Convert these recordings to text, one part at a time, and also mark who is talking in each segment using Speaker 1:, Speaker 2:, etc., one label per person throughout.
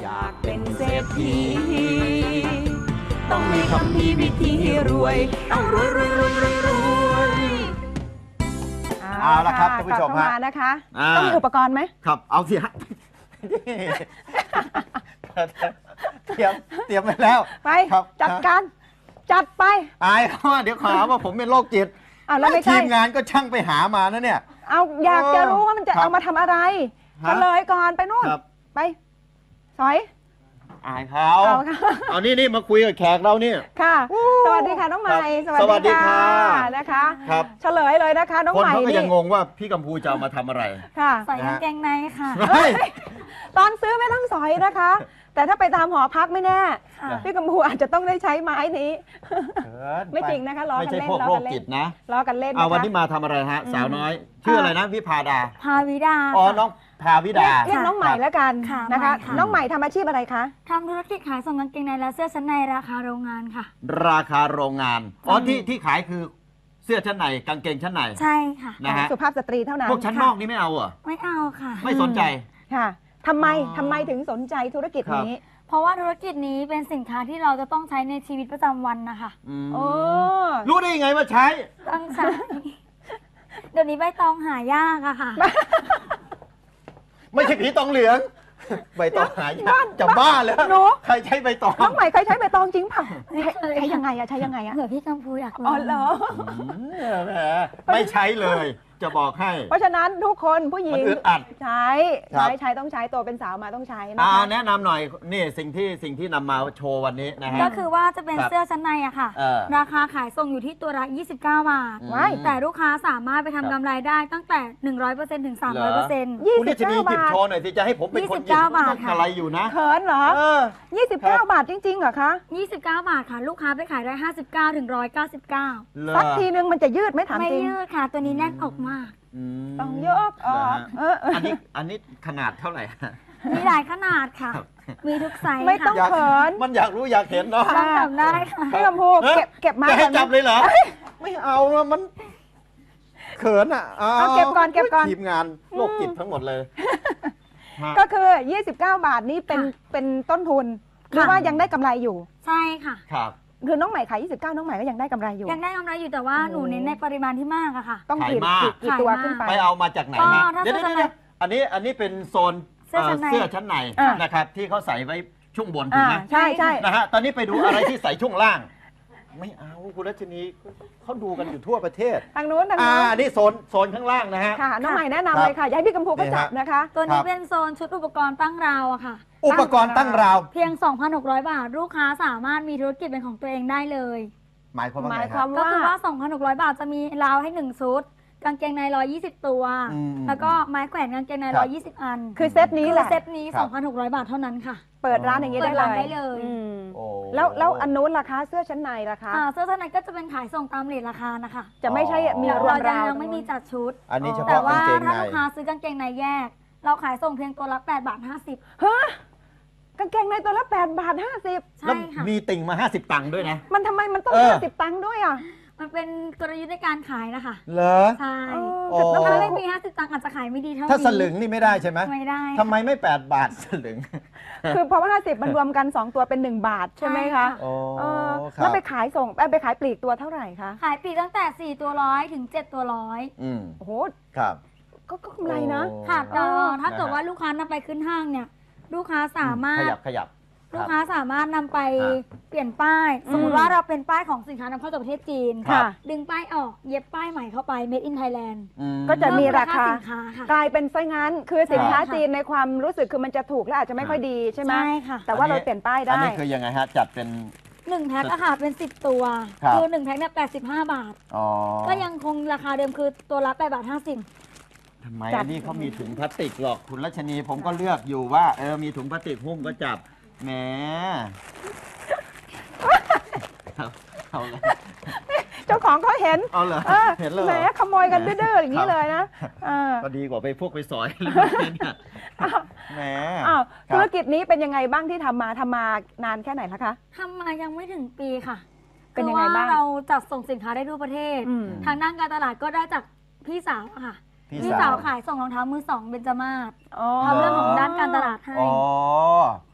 Speaker 1: อยากเป็นเศรษฐีต้องมีคำพีวิธีรวยต้องรวยรวยรวยรวยรวย
Speaker 2: เอาละครับท่านผู้ชมฮะ
Speaker 1: นะคะต้องมีอุปกรณ์ไหม
Speaker 2: ครับเอาสิฮะเตรียมไปแล้ว
Speaker 1: ไปจัดการจัดไป
Speaker 2: อายเขาว่าเดี๋ยวขอว่าผมเป็นโรคจิต
Speaker 1: แล้วไม่ใช่
Speaker 2: ทีมงานก็ช่างไปหามานะเนี่ย
Speaker 1: เอาอยากจะรู้ว่ามันจะเอามาทำอะไรเฉลยก่อนไปนู่นไปสอย
Speaker 2: อายเขาเอานี่มาคุยกับแขกเราเนี่ย
Speaker 1: ค่ะสวัสดีค่ะน้องใหม่
Speaker 2: สวัสดีค่ะ
Speaker 1: นะคะเฉลยเลยนะคะน้องใหม่
Speaker 2: นี่คนเขาก็
Speaker 1: นี่
Speaker 2: ยังงงว่าพี่กัมพูจะเอามาทำอะไร
Speaker 1: ค่ะ
Speaker 3: ใส่กางเกงในค่ะ
Speaker 1: ตอนซื้อไม่ต้องสอยนะคะแต่ถ้าไปตามหอพักไม่แน่พี่กัมพูอาจจะต้องได้ใช้ไม้นี้ไม่จริงนะคะล้อกันเล่น
Speaker 2: ล้อกันเล่นนะ
Speaker 1: ล้อกันเล่น
Speaker 2: วันนี้มาทำอะไรฮะสาวน้อยชื่ออะไรนะวิภาดา
Speaker 3: ภาวิดา
Speaker 2: น้องภาวิดา
Speaker 1: เรียกน้องใหม่แล้วกันนะคะน้องใหม่ทำอาชีพอะไรคะ
Speaker 3: ทำธุรกิจขายส่งกางเกงในและเสื้อชั้นในราคาโรงงานค่ะ
Speaker 2: ราคาโรงงานที่ขายคือเสื้อชั้นในกางเกงชั้นใน
Speaker 3: ใช่ค่ะ
Speaker 2: นะฮะ
Speaker 1: สุภาพสตรีเท่านั้น
Speaker 2: พวกชั้นนอกนี่ไม่เอาเหรอ
Speaker 3: ไม่เอาค่ะ
Speaker 2: ไม่สนใจ
Speaker 1: ค่ะทำไมถึงสนใจธุรกิจนี้
Speaker 3: เพราะว่าธุรกิจนี้เป็นสินค้าที่เราจะต้องใช้ในชีวิตประจำวันนะคะ
Speaker 2: รู้ได้ยังไงว่าใช้
Speaker 3: ต้องใช้เดี๋ยวนี้ใบตองหายากอะค่ะ
Speaker 2: ไม่ใช่ผีตองเหลืองใบตองหายากจะบ้าแล้วใครใช้ใบตอง
Speaker 1: น้องใหม่เคยใช้ใบตองจริงเปล่าใช้ยังไงอะ
Speaker 3: เผื่อพี่กัมพูอยาก
Speaker 1: ลอง
Speaker 3: เหรอ
Speaker 2: ไม่ใช้เลยจะบอกให้
Speaker 1: เพราะฉะนั้นทุกคนผู้หญิงใช้ต้องใช้ตัวเป็นสาวมาต้องใช้นะคะ
Speaker 2: แนะนำหน่อยนี่สิ่งที่นำมาโชว์วันนี้นะฮะ
Speaker 3: ก็คือว่าจะเป็นเสื้อชั้นในอะค่ะราคาขายส่งอยู่ที่ตัวละ29 บาทแต่ลูกค้าสามารถไปทำกำไรได้ตั้งแต่ 100% ถึง 300%
Speaker 2: คุณนี่จะมีจิบโชว์หน่อยสิจะให้ผมเป็นคนหยิบอะไรอยู่นะ
Speaker 1: เขินเหรอ29 บาทจริงๆเหรอคะ
Speaker 3: 29 บาทค่ะลูกค้าไปขายได้59 ถึง 199
Speaker 1: สักทีนึงมันจะยืดไหมถามจริง
Speaker 3: ไม่ยืดค่ะตัวนี้แน่นอกมาก
Speaker 1: ต้องยก
Speaker 2: อันนี้ขนาดเท่าไหร่
Speaker 3: มีหลายขนาดค่ะมีทุกไซส์
Speaker 1: ไม่ต้องเขิน
Speaker 2: มันอยากรู้อยากเห็นเนาะ
Speaker 3: จำได้ค่ะ
Speaker 1: พี่กัมพูเก็บมา
Speaker 2: ให้จับเลยเหรอไม่เอามันเขิน
Speaker 1: เอาเก็บก่อน
Speaker 2: ทีมงานโรคจิตทั้งหมดเลย
Speaker 1: ก็คือ29 บาทนี้เป็นต้นทุนหรือว่ายังได้กำไรอยู่
Speaker 3: ใช่ค่ะ
Speaker 2: ครับ
Speaker 1: คือน้องใหม่ขาย29น้องใหม่ก็ยังได้กำไรอยู่
Speaker 3: ยังได้กำไรอยู่แต่ว่าหนูเน้นในปริมาณที่มากอะค่ะ
Speaker 1: ต้องกี่ตัวขึ้นไป
Speaker 2: ไปเอามาจากไหนฮะเดี๋ยวอันนี้เป็นโซนเสื้อชั้นในนะครับที่เขาใส่ไว้ช่วงบนถูกไหม
Speaker 1: ใช่
Speaker 2: นะฮะตอนนี้ไปดูอะไรที่ใส่ช่วงล่างไม่เอาคุณรัชนีเขาดูกันอยู่ทั่วประเทศ
Speaker 1: ทางนู้น
Speaker 2: อันนี้โซนข้างล่างนะฮะ
Speaker 1: ค่ะน้องใหม่แนะนำเลยค่ะอยากให้พี่กัมพูก็จับนะคะ
Speaker 3: ตัวนี้เป็นโซนชุดอุปกรณ์ตั้งราวอะค่ะ
Speaker 2: อุปกรณ์ตั้งราว
Speaker 3: เพียง 2,600 บาทลูกค้าสามารถมีธุรกิจเป็นของตัวเองได้เลย
Speaker 2: หมายความว่า
Speaker 3: ก็คือว่า 2,600 บาทจะมีราวให้1ชุดกางเกงใน120ตัวแล้วก็ไม้แขวนกางเกงใน120อัน
Speaker 1: คือเซตนี้แหละ
Speaker 3: เซตนี้ 2,600 บาทเท่านั้นค่ะ
Speaker 1: เปิดร้านอย่างนี้ได้เลยแล้วอันนู้นราคาเสื้อชั้นในราคา
Speaker 3: เสื้อชั้นในก็จะเป็นขายส่งตามเรทราคานะคะ
Speaker 1: จะไม่ใช่มีรวมราว
Speaker 3: ยังไม่มีจัดชุด
Speaker 2: อันนี้เฉพาะ
Speaker 3: แต่ว่าถ้าลูกค้าซื้อกางเกงในแยกเราขายส่งเพียงตัวละ8.50 บาท
Speaker 1: ฮะกางเกงในตัวละ8.50 บาท
Speaker 3: ใช่ค่ะ
Speaker 2: มีติ่งมา50 ตังค์ด้วยนะ
Speaker 1: มันทำไมมันต้อง50 ตังค์ด้วยอ่ะ
Speaker 3: มันเป็นกลยุทธ์ในการขายนะคะ
Speaker 2: เหรอ
Speaker 3: ใช่ถ้าไม่มี50 ตังค์อาจจะขายไม่ดีเท่านี้
Speaker 2: ถ้าสลึงนี่ไม่ได้ใช่ไหม
Speaker 3: ไม่ได้
Speaker 2: ทำไมไม่8 บาทสลึง
Speaker 1: คือเพราะว่า50มันรวมกัน2ตัวเป็น1 บาทใช่ไหมคะแล้วไปขายส่งไปขายปลีกตัวเท่าไหร่คะ
Speaker 3: ขายปลีกตั้งแต่4ตัว100ถึง7ตัว100
Speaker 1: โอ้โห
Speaker 2: ครับ
Speaker 1: ก็กำไรนะ
Speaker 3: ค่ะถ้าเกิดว่าลูกค้านำไปขึ้นห้างเนี่ยลูกค้าสามารถ
Speaker 2: ขยับ
Speaker 3: ลูกค้าสามารถนำไปเปลี่ยนป้ายสมมติว่าเราเป็นป้ายของสินค้านำเข้าจากประเทศจีนดึงป้ายออกเย็บป้ายใหม่เข้าไป Made in Thailand
Speaker 1: ก็จะมีราคากลายเป็นไซงั้นคือสินค้าจีนในความรู้สึกคือมันจะถูกและอาจจะไม่ค่อยดีใช่ไหม
Speaker 3: ใช่ค่ะ
Speaker 1: แต่ว่าเราเปลี่ยนป้ายได้
Speaker 2: อันนี้คือยังไงฮะจัดเป็น
Speaker 3: 1 แพ็คอะค่ะเป็น10 ตัวคือ1 แพ็คเนี่ย85 บาทก็ยังคงราคาเดิมคือตัวละ8.50 บาท
Speaker 2: ทำไมอันนี้เขามีถุงพลาสติกหรอกคุณรัชนีผมก็เลือกอยู่ว่ามีถุงพลาสติกหุ้มก็จับแหม
Speaker 1: เจ้าของเขาเห็น
Speaker 2: เหรอเห็นเลย
Speaker 1: แหมขโมยกันดื้อๆอย่างนี้เลยนะ
Speaker 2: ก็ดีกว่าไปสอยแหม
Speaker 1: ธุรกิจนี้เป็นยังไงบ้างที่ทำมานานแค่ไหนแล้วคะ
Speaker 3: ทำมายังไม่ถึงปีค่ะ
Speaker 1: เป็นยังไงบ้าง
Speaker 3: เราจัดส่งสินค้าได้ทั่วประเทศทางด้านการตลาดก็ได้จากพี่สาวค่ะพี่สาวขายส่งรองเท้ามือ2เบญจมาศทำเรื่องของด้านการตลาดให้
Speaker 2: ก็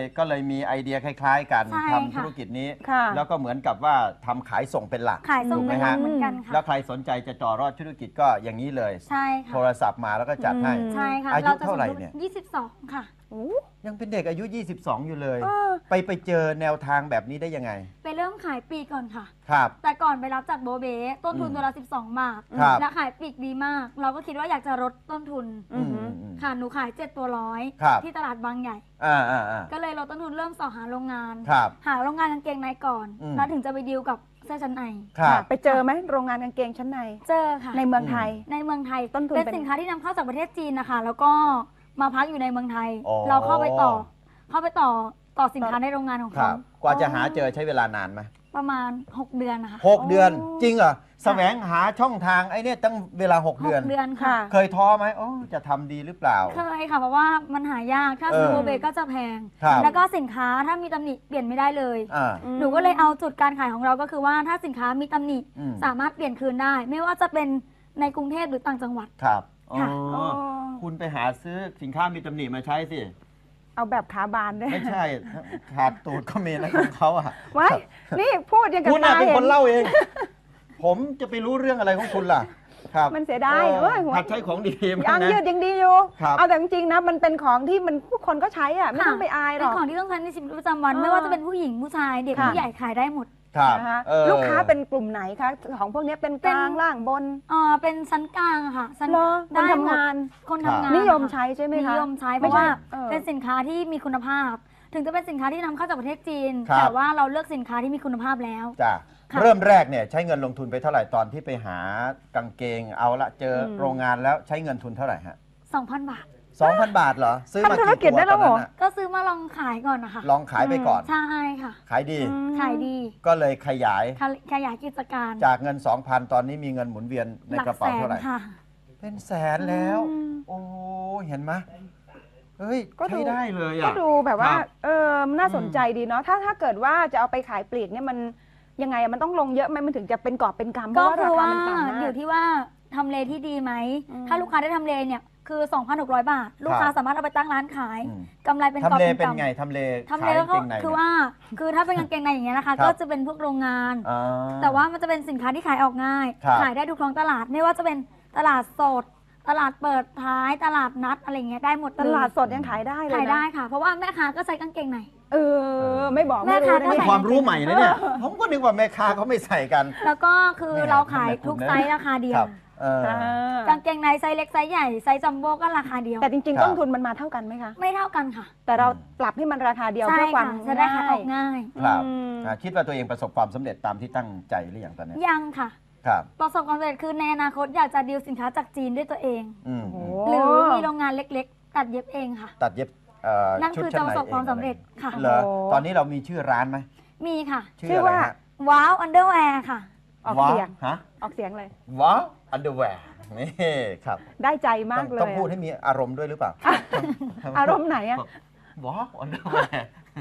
Speaker 2: เลยมีไอเดียคล้ายๆ กัน
Speaker 3: ใช่
Speaker 2: ทำ
Speaker 3: ค่ะ
Speaker 2: ธุรกิจนี้
Speaker 1: ค่ะ
Speaker 2: แล้วก็เหมือนกับว่าทำขายส่งเป็นหลัก
Speaker 3: ขายส่ง
Speaker 2: ถูกไหม
Speaker 3: เป็นหลั
Speaker 2: ฮะ
Speaker 3: กเหมือนกันค่ะ
Speaker 2: แล้วใครสนใจจะต่อรอดธุรกิจก็อย่างนี้เลย
Speaker 3: ใช่
Speaker 2: โท
Speaker 3: ค่ะ
Speaker 2: รศัพท์มาแล้วก็จัดให้
Speaker 3: ใช่ค่ะ
Speaker 2: อายุเท่าไหร่เนี่ย
Speaker 3: 22 ค่ะ
Speaker 1: โอ้
Speaker 2: ยังเป็นเด็กอายุ 22 อยู่เลย
Speaker 1: เออ
Speaker 2: ไปเจอแนวทางแบบนี้ได้ยังไง
Speaker 3: ไปเริ่มขายปลีกก่อนค่ะ
Speaker 2: ครับ
Speaker 3: แต่ก่อนไปรับจากโบเบ้ต้นทุนตัวละ12 บาท
Speaker 2: ครับ
Speaker 3: และขายปลีกดีมาก เราก็คิดว่าอยากจะลดต้นทุน
Speaker 1: อืม
Speaker 3: ค่ะ หนูขาย7ตัวร้อย
Speaker 2: ครับ
Speaker 3: ที่ตลาดบางใหญ่
Speaker 2: อ่า
Speaker 3: ก็เลยลดต้นทุนเริ่มสอหาโรงงาน
Speaker 2: ครับ
Speaker 3: หาโรงงานกางเกงในก่อน
Speaker 2: อืม
Speaker 3: แล้วถึงจะไปดีลกับเสื้อชั้นใน
Speaker 2: ครับ
Speaker 1: ไปเจอไหมโรงงานกางเกงชั้นใน
Speaker 3: เจอค่ะ
Speaker 1: ในเมืองไทย
Speaker 3: ในเมืองไทย
Speaker 1: ต้นทุน
Speaker 3: เป็น
Speaker 1: เป็น
Speaker 3: สินค้าที่นำเข้าจากประเทศจีนนะคะ แล้วก็มาพักอยู่ในเมืองไทย
Speaker 2: อ๋อ
Speaker 3: เราเข้าไปต่อสินค้าในโรงงานของ
Speaker 2: ครั
Speaker 3: เขา
Speaker 2: บ กว่าจะหาเจอใช้เวลานานไหม
Speaker 3: ประมาณ 6 เดือนนะคะ
Speaker 2: 6 เดือน จริงเหรอแสวงหาช่องทางไอ้เนี่ยตั้งเวลา 6 เดือน
Speaker 3: 6 เดือนค่ะ
Speaker 2: เคยท้อไหมโอ้จะทำดีหรือเปล่า
Speaker 3: เคยค่ะเพราะว่ามันหายากถ้า
Speaker 2: เออ
Speaker 3: ซื้อโบเบก็จะแพง
Speaker 2: ครับ
Speaker 3: แล้วก็สินค้าถ้ามีตำหนิเปลี่ยนไม่ได้เลย
Speaker 2: อ่า
Speaker 3: หนูก็เลยเอาจุดการขายของเราก็คือว่าถ้าสินค้ามีตำหนิ
Speaker 2: อืม
Speaker 3: สามารถเปลี่ยนคืนได้ ไม่ว่าจะเป็นในกรุงเทพหรือต่างจังหวัด
Speaker 2: ครับอ๋อ
Speaker 3: ค่ะ
Speaker 2: คุณไปหาซื้อสินค้ามีตำหนิมาใช้สิ
Speaker 1: เอาแบบขาบานด้วย
Speaker 2: ไม่ใช่ ขาดตูดก็มีนะของเขาอะ
Speaker 1: ไว้นี่พูดยังกับ
Speaker 2: คุณน่ะ
Speaker 1: ตา
Speaker 2: เป็น
Speaker 1: เห็
Speaker 2: คน นเล่าเอง ผมจะไปรู้เรื่องอะไรของคุณล่ะ ครับ
Speaker 1: มันเสียดายเอ้ยหัว
Speaker 2: หัดใช้ของดีๆ
Speaker 1: ยา
Speaker 2: บ้าง
Speaker 1: ง
Speaker 2: นะ
Speaker 1: ยืดยังดีอยู่
Speaker 2: ครับ
Speaker 1: เอาแต่จริงๆนะมันเป็นของที่มันผู้คนก็ใช้อ่ะไม่ต้องไปอายหร
Speaker 3: เป็น
Speaker 1: อก
Speaker 3: ของที่ต้องใช้ในชีวิตประจำวัน
Speaker 1: เออ
Speaker 3: ไม่ว่าจะเป็นผู้หญิงผู้ชายเด็ก
Speaker 1: ค่ะ
Speaker 3: ผู้ใหญ่ขายได้หมด
Speaker 2: ครับ
Speaker 1: นะคะ
Speaker 2: เออ
Speaker 1: ลูกค้าเป็นกลุ่มไหนคะของพวกนี้เป็นกลางล่างบน
Speaker 3: เป็นชั้นกลางอะค่ะชั้น
Speaker 1: เหรอคน
Speaker 3: ได้หม
Speaker 1: ทำ
Speaker 3: ด
Speaker 1: งาน
Speaker 3: คนทำงาน
Speaker 1: นิยม
Speaker 3: ค่ะ
Speaker 1: ใช้ใช่ไหมคะ
Speaker 3: นิยมใช้เพ
Speaker 1: ไม่
Speaker 3: ราะ
Speaker 1: ใช่
Speaker 3: ว่า
Speaker 1: เออ
Speaker 3: เป็นสินค้าที่มีคุณภาพ ถึงจะเป็นสินค้าที่นำเข้าจากประเทศจีน
Speaker 2: ครับ
Speaker 3: แต่ว่าเราเลือกสินค้าที่มีคุณภาพแล้ว
Speaker 2: จ้ะ
Speaker 3: ค่ะ
Speaker 2: เริ่มแรกเนี่ยใช้เงินลงทุนไปเท่าไหร่ตอนที่ไปหากางเกงเอาละเจอโรงงานแล้วใช้เงินทุนเท่าไหร่ฮะ
Speaker 3: 2,000 บาท
Speaker 2: 2,000 บาทเหรอ ซื้อมา
Speaker 1: ทำธุร
Speaker 2: กี่
Speaker 1: กิจ
Speaker 2: ตัว
Speaker 1: ได้
Speaker 2: ต
Speaker 1: แล้
Speaker 2: อ
Speaker 1: วน เหร
Speaker 2: นั้
Speaker 1: อ
Speaker 2: นน่ะ
Speaker 3: ก็ซื้อมาลองขายก่อนนะคะ
Speaker 2: ลองขายไปก่อน
Speaker 3: ใช่ค่ะ
Speaker 2: ขายดี
Speaker 3: ขายดี
Speaker 2: ก็เลยขยาย
Speaker 3: ขยายกิจการ
Speaker 2: จากเงิน 2,000 ตอนนี้มีเงินหมุนเวียนใน
Speaker 3: หลั
Speaker 2: กระเป๋า
Speaker 3: แสน
Speaker 2: เท่าไหร่
Speaker 3: ค่ะ
Speaker 2: เป็นแสนแล้ว
Speaker 1: อืม
Speaker 2: โอ้เห็นไหมเฮ้ย
Speaker 1: ก็ดู
Speaker 2: ใช้ได้เลย
Speaker 1: ก็
Speaker 2: อ่ะ
Speaker 1: ดูแบบว่า
Speaker 2: ครับ
Speaker 1: มันน่าสนใจดีเนาะถ้าเกิดว่าจะเอาไปขายปลีกเนี่ยมันยังไงอะมันต้องลงเยอะไหมมันถึงจะเป็นกอบเป็นกำเพ
Speaker 3: ก็
Speaker 1: ราะว่า
Speaker 3: คื
Speaker 1: รา
Speaker 3: อ
Speaker 1: คา
Speaker 3: ว่า
Speaker 1: มันต่ำมา
Speaker 3: อก ยู่ที่ว่าทำเลที่ดีไหม
Speaker 1: อืม
Speaker 3: ถ้าลูกค้าได้ทำเลเนี่ยคือ 2,600 บาท ลูกค้าสามารถเอาไปตั้งร้านขาย
Speaker 2: อืม
Speaker 3: กำไรเป็นกอบ
Speaker 2: ทำเล
Speaker 3: เป็น
Speaker 2: เป็น
Speaker 3: กำ
Speaker 2: ไงทำเล
Speaker 3: ทำเล
Speaker 2: ขาย
Speaker 3: ก็
Speaker 2: กางเกงใน
Speaker 3: คือ
Speaker 2: เนี่ย
Speaker 3: ว่าคือถ้าเป็นกางเกงในอย่างเงี้ยนะคะ
Speaker 2: ครับ
Speaker 3: ก็จะเป็นพวกโรงงาน
Speaker 2: อ่า
Speaker 3: แต่ว่ามันจะเป็นสินค้าที่ขายออกง่าย
Speaker 2: ครับ
Speaker 3: ขายได้ทุกท้องตลาด ไม่ว่าจะเป็นตลาดสด ตลาดเปิดท้าย ตลาดนัดอะไรเงี้ยได้หมด
Speaker 1: ตลาดสดยังขายได้เลยนะ
Speaker 3: ขายได้ค่ะ เพราะว่าแม่ค้าก็ใช้กางเกงใน
Speaker 1: ไม่บอก
Speaker 3: แม่
Speaker 1: ไม่รู้
Speaker 3: ค้า
Speaker 1: นะ
Speaker 3: ก็
Speaker 1: นี่
Speaker 3: ใส่
Speaker 2: ความรู้ใหม่นะเนี่ย ผมก็นึกว่าแม่ค้าเขาไม่ใส่กัน
Speaker 3: แล้วก็คือ
Speaker 2: แม่
Speaker 3: เราขาย
Speaker 2: ทำไมคุณ
Speaker 3: ทุก
Speaker 2: นะ
Speaker 3: ไซส์ราคาเดีย
Speaker 2: คว รับเออ
Speaker 3: กางเกงในไซส์เล็กไซส์ใหญ่ไซส์จัมโบ้ก็ราคาเดียว
Speaker 1: แต่จริง
Speaker 2: ครับ
Speaker 1: ๆต้นทุนมันมาเท่ากันไหมคะ
Speaker 3: ไม่เท่ากันค่ะ
Speaker 1: แต่เราปรับให้มันราคาเดียว
Speaker 3: ใช่
Speaker 1: เพื่อความ
Speaker 3: ค่ะจะได้ขายออกง่าย
Speaker 2: ครับ
Speaker 1: อืม
Speaker 2: คิดว่าตัวเองประสบความสำเร็จตามที่ตั้งใจหรือยังตอนนี้
Speaker 3: ยังค่ะ
Speaker 2: ครับ
Speaker 3: ประสบความสำเร็จคือในอนาคตอยากจะดีลสินค้าจากจีนด้วยตัวเอง
Speaker 2: อืม
Speaker 1: โอ้
Speaker 3: หรือมีโรงงานเล็กๆ ตัดเย็บเองค่ะ
Speaker 2: ตัดเย็บ
Speaker 3: นั่น
Speaker 2: ชุด
Speaker 3: คือ
Speaker 2: ชั้
Speaker 3: จะ
Speaker 2: น
Speaker 3: ป
Speaker 2: ใน
Speaker 3: ระสบความสำเร็จค่ะ
Speaker 2: เหรอตอนนี้เรามีชื่อร้านไหม
Speaker 3: มีค่ะ
Speaker 2: ชื่ออะไรฮะ
Speaker 3: ว้าวอันเดอร์แวร์ค่ะ
Speaker 1: ออก
Speaker 2: ว้า
Speaker 1: เสียง
Speaker 2: ฮะ
Speaker 1: ออกเสียงเลย
Speaker 2: ว้าวอันเดอร์แวร์นี่ครับ
Speaker 1: ได้ใจมาก
Speaker 2: ต้อง
Speaker 1: เลย
Speaker 2: ต้องพูดให้มีอารมณ์ด้วยหรือเปล่า
Speaker 1: อารมณ์ไหนอะ
Speaker 2: ว้าวอันเดอร์แวร์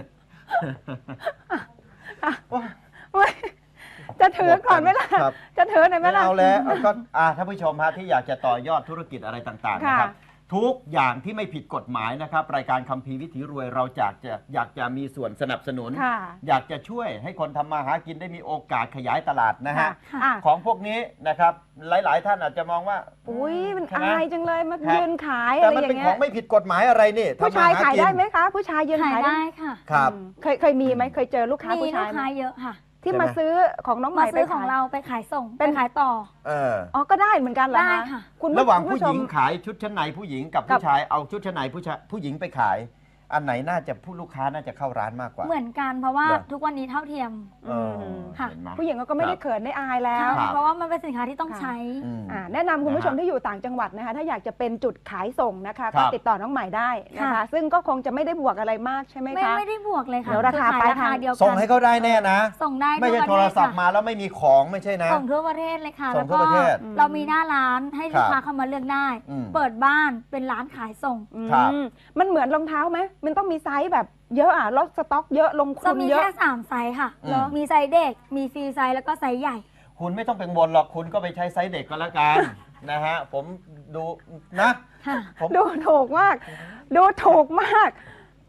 Speaker 1: เว้ยจะถือก่อนไหมล่ะ
Speaker 2: ครับ
Speaker 1: จะถือหน่อยไหม
Speaker 2: ไม่
Speaker 1: ล่ะ
Speaker 2: เอาแล้วก็ท่านผู้ชมฮะที่อยากจะต่อยอดธุรกิจอะไรต่างๆนะครับ
Speaker 1: ค่ะ
Speaker 2: ทุกอย่างที่ไม่ผิดกฎหมายนะครับ รายการคัมภีร์วิถีรวยเราอยากจะมีส่วนสนับสนุน
Speaker 1: ค่ะ
Speaker 2: อยากจะช่วยให้คนทำมาหากินได้มีโอกาสขยายตลาดนะ
Speaker 1: ค่ะ
Speaker 2: ฮะ
Speaker 1: อ่ะ
Speaker 2: ของพวกนี้นะครับหลายๆ ท่านอาจจะมองว่า
Speaker 1: อุ้ยมัน
Speaker 2: ใช่ไห
Speaker 1: อายจังเลยมา
Speaker 2: ครับ
Speaker 1: ยืนขาย
Speaker 2: แต่
Speaker 1: อะไร
Speaker 2: มัน
Speaker 1: อย่า
Speaker 2: เป็น
Speaker 1: ง
Speaker 2: ข
Speaker 1: เงี้
Speaker 2: อย งไม่ผิดกฎหมายอะไรนี่
Speaker 1: ผู้ชาย
Speaker 2: ทำมห
Speaker 1: ขาย
Speaker 2: กิน
Speaker 1: ได้ไหมคะ ผู้ชายยืน
Speaker 3: ขาย
Speaker 1: ขายได้
Speaker 3: ได้ค่ะ
Speaker 2: ครับ
Speaker 1: เคยมีไหมเคยเจอลูกค้า
Speaker 3: มี
Speaker 1: ผู้
Speaker 3: ลู
Speaker 1: ชาย
Speaker 3: ก
Speaker 1: ไหม
Speaker 3: ค้าเยอะค่ะ
Speaker 1: ที่
Speaker 2: ใช่ไหม
Speaker 1: มาซื้อของน้องให
Speaker 3: มา
Speaker 1: ม่ไป
Speaker 3: ซื้อของ
Speaker 1: ขาย
Speaker 3: เราไปขายส่ง
Speaker 1: เป็น
Speaker 3: ไปขายต่อ
Speaker 2: เออ
Speaker 1: อ๋อก็ได้เหมือนกันเหรอ
Speaker 3: ได้
Speaker 1: คะ
Speaker 3: ค่ะ
Speaker 1: คุณ
Speaker 2: ระหว่างผู้
Speaker 1: ช
Speaker 2: ห
Speaker 1: ม
Speaker 2: ญิงขายชุดชั้นในผู้หญิงกับ
Speaker 1: กับ
Speaker 2: ผู้ชายเอาชุดชั้นในผู้หญิงไปขาย อันไหนน่าจะผู้ลูกค้าน่าจะเข้าร้านมากกว่า
Speaker 3: เหมือนกันเพราะว่า
Speaker 2: เหรอ
Speaker 3: ทุกวันนี้เท่าเทียม
Speaker 2: เออ
Speaker 3: ค่ะ
Speaker 2: เห็นไหม
Speaker 1: ผู้หญิงก็ไม่ได้
Speaker 2: ครับ
Speaker 1: เขินได้อายแล้ว
Speaker 2: ครับ
Speaker 3: เพราะว่ามันเป็นสินค้าที่ต้อง
Speaker 1: ค่ะ
Speaker 3: ใช้
Speaker 2: อืม
Speaker 1: แนะนำคุณผู้ชม
Speaker 2: นะฮะ
Speaker 1: ที่อยู่ต่างจังหวัดนะคะถ้าอยากจะเป็นจุดขายส่งนะคะ
Speaker 2: ครั
Speaker 1: ก็
Speaker 2: บ
Speaker 1: ติดต่อน้องใหม่ได้นะคะ
Speaker 3: ค่ะ
Speaker 1: ซึ่งก็คงจะไม่ได้บวกอะไรมากใช่ไหม
Speaker 3: ไม่
Speaker 1: คะ
Speaker 3: ไม่ได้บวกเลยค่ะ
Speaker 1: เดี๋ยวราคา
Speaker 3: อข
Speaker 1: ปลาย
Speaker 3: ราคา
Speaker 1: ทาง
Speaker 3: เดียวกัน
Speaker 2: ส่งให้เขาได้แน่นะ
Speaker 3: ส่งได้
Speaker 2: ไม่ใช่
Speaker 3: ทั่ว
Speaker 2: โท
Speaker 3: ปะ
Speaker 2: ร
Speaker 3: เทศ
Speaker 2: ศัพท์
Speaker 3: ค่ะ
Speaker 2: มาแล้วไม่มีของไม่ใช่นะ
Speaker 3: ส่งทั่วประเทศเลยค่ะ
Speaker 2: ส่
Speaker 3: แล้
Speaker 2: ง
Speaker 3: ว
Speaker 2: ทั่ว
Speaker 3: ก็
Speaker 2: ประเทศ
Speaker 3: เรามีหน้าร้านให้ลูก
Speaker 2: ครั
Speaker 3: ค้า
Speaker 2: บ
Speaker 3: เข้ามาเลือกได้
Speaker 2: อืม
Speaker 3: เปิดบ้านเป็นร้านขายส่ง
Speaker 2: ครับ
Speaker 1: มันเหมือนรองเท้าไหมมันต้องมีไซส์แบบเยอะอ่ะลดสต็อกเยอะลง
Speaker 3: จะ
Speaker 1: ทุน
Speaker 3: มี
Speaker 1: เยอะ
Speaker 3: แค่3ไซส์ค่ะ
Speaker 2: เหรอ
Speaker 3: มีไซส์เด็ก มีฟรีไซส์แล้วก็ไซส์ใหญ่
Speaker 2: คุณไม่ต้องเป็นบนหรอกคุณก็ไปใช้ไซส์เด็กก็แล้วกัน นะฮะผมดูนะ
Speaker 3: ค่ะ
Speaker 2: ผม
Speaker 1: ดูถูกมาก ดูถูกมาก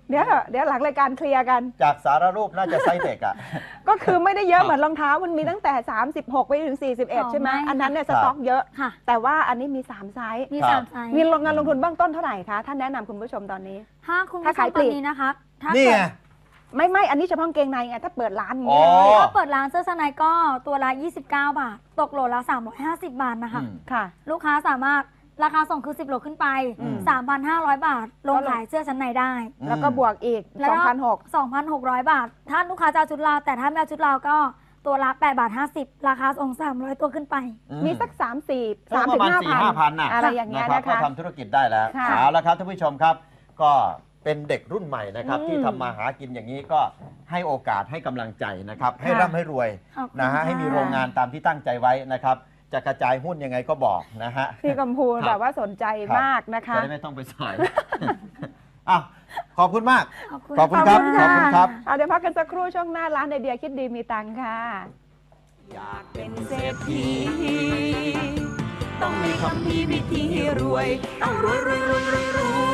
Speaker 1: เดี๋ยวหลังรายการเคลียร์กัน
Speaker 2: จากสารรูปน่าจะไซส์เด็กอ่ะ
Speaker 1: ก็คือไม่ได้เยอะเหมือนรองเท้ามันมีตั้งแต่ 36 ไปถึง 41 ใช่ไหมอันนั้นเนี่ยสต็อกเยอะ แต่ว่าอันนี้มี 3 ไซส์
Speaker 3: มี
Speaker 2: ครับ
Speaker 3: 3 ไซส์
Speaker 1: มีงานลงทุนเบื้องต้นเท่าไหร่คะท่านแนะนำคุณผู้ชมตอนนี้
Speaker 3: ถ้าคุณผู้ช
Speaker 1: ถ้าขาย
Speaker 3: ม
Speaker 1: ป
Speaker 3: ต
Speaker 1: ลี
Speaker 3: อก นนี้นะคะถ้า
Speaker 2: นี่
Speaker 3: เกิ
Speaker 2: ไง
Speaker 3: ด
Speaker 1: ไม่อันนี้เฉพาะกางเกงในไงถ้าเปิดร้านอย่าง
Speaker 2: อ๋
Speaker 1: นี้
Speaker 2: อ
Speaker 1: เลย
Speaker 3: ถ้าเปิดร้านเสื้อชั้นในก็ตัวละ29 บาท ตกโหลละ350 บาทนะคะ
Speaker 1: ค่ะ
Speaker 3: ลูกค้าสามารถราคาส่งคือ10 โลขึ้นไป 3,500 บาท ลงขายเสื้อชั้นในได้
Speaker 1: แล้วก็บวกอีก
Speaker 3: แล้วก็
Speaker 1: 2,600
Speaker 3: 2,600 บาท ถ้าลูกค้าจะเอาชุดลาวแต่ถ้าไม่เอาชุดลาวก็ตัวละ8 บาท 50 ราคาส่ง300 ตัวขึ้นไป
Speaker 1: มีสัก 3-4
Speaker 2: ก็ประมาณ 4-5,000 น่ะ
Speaker 1: อะไรอย่างเงี้ย
Speaker 2: นะครับ
Speaker 1: นะ
Speaker 2: ก็
Speaker 1: คะ
Speaker 2: ทำธุรกิจได้แล้ว
Speaker 1: ค่ะ
Speaker 2: เอาละครับท่านผู้ชมครับ ก็เป็นเด็กรุ่นใหม่นะครับ
Speaker 1: อืม
Speaker 2: ที่ทำมาหากินอย่างนี้ก็ให้โอกาสให้กำลังใจนะครับ ให้
Speaker 1: ค่ะ
Speaker 2: ร่ำให้รวย
Speaker 3: ขอบคุณ
Speaker 2: นะฮะ
Speaker 3: ค่ะ
Speaker 2: ให้มีโรงงานตามที่ตั้งใจไว้นะครับ จะกระจายหุ้นยังไงก็บอกนะฮะ
Speaker 1: พี่กัมพู
Speaker 2: ครับ
Speaker 1: แบบว่าสนใจมากนะคะ
Speaker 2: จะได้ไม่ต้องไปสอย อ้าวขอบคุณมาก
Speaker 3: ขอบคุณ
Speaker 2: ขอบคุณครับ
Speaker 1: ะ
Speaker 2: ขอบคุณครับ
Speaker 1: เอาเดี๋ยวพักกันสักครู่ช่วงหน้าร้านไอเดียคิดดีมีตังค์ค่ะ
Speaker 4: อยากเป็นเศรษฐีต้องมีคำพีวิธีรวย ต้องรวย